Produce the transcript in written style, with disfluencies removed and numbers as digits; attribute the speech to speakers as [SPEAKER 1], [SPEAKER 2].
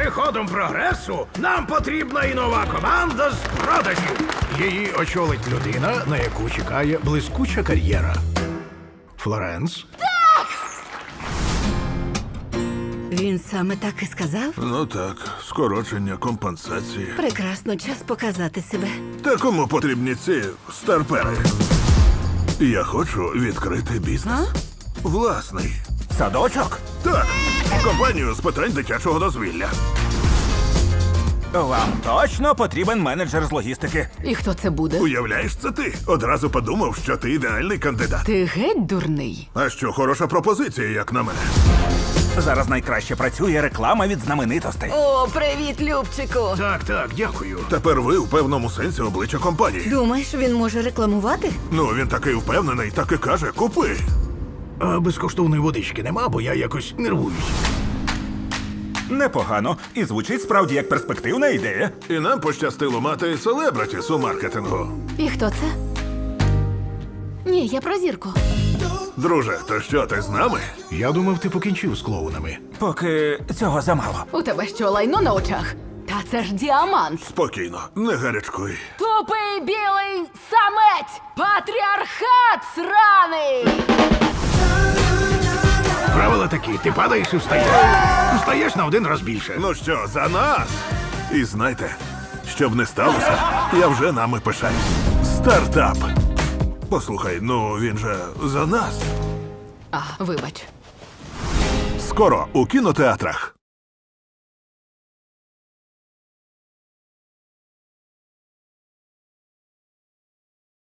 [SPEAKER 1] приходом прогресу нам потрібна і нова команда з продажів. Її очолить людина, на яку чекає блискуча кар'єра. Флоренс?
[SPEAKER 2] Він саме так і сказав?
[SPEAKER 3] Ну так, скорочення, компенсації.
[SPEAKER 2] Прекрасно, час показати себе.
[SPEAKER 3] Та кому потрібні ці старпери? Я хочу відкрити бізнес. Власний.
[SPEAKER 4] Садочок?
[SPEAKER 3] Так, компанію з питань дитячого дозвілля.
[SPEAKER 4] Вам точно потрібен менеджер з логістики.
[SPEAKER 5] І хто це буде?
[SPEAKER 3] Уявляєш, це ти? Одразу подумав, що ти ідеальний кандидат.
[SPEAKER 5] Ти геть дурний.
[SPEAKER 3] А що, хороша пропозиція, як на мене.
[SPEAKER 4] Зараз найкраще працює реклама від знаменитостей.
[SPEAKER 2] О, привіт, Любчику!
[SPEAKER 1] Так, дякую.
[SPEAKER 3] Тепер ви в певному сенсі обличчя компанії.
[SPEAKER 2] Думаєш, він може рекламувати?
[SPEAKER 3] Ну, він такий впевнений, так і каже, купи.
[SPEAKER 1] А безкоштовної водички нема, бо я якось нервуюсь.
[SPEAKER 4] Непогано. І звучить справді як перспективна ідея.
[SPEAKER 3] І нам пощастило мати селебритіс у маркетингу.
[SPEAKER 5] І хто це? Ні, я про зірку.
[SPEAKER 3] Друже, то що, ти з нами?
[SPEAKER 1] Я думав, ти покінчив з клоунами.
[SPEAKER 4] Поки цього замало.
[SPEAKER 5] У тебе що, лайно на очах? Та це ж діамант.
[SPEAKER 3] Спокійно, не гарячкуй.
[SPEAKER 5] Тупий білий самець! Патріархат сраний!
[SPEAKER 1] Правила такі, ти падаєш і встаєш. Встаєш на один раз більше.
[SPEAKER 3] Ну що, за нас? І знайте, щоб не сталося, я вже нами пишаюсь. Стартап. Послухай, ну він же за нас.
[SPEAKER 5] А, вибач.
[SPEAKER 3] Скоро у кінотеатрах.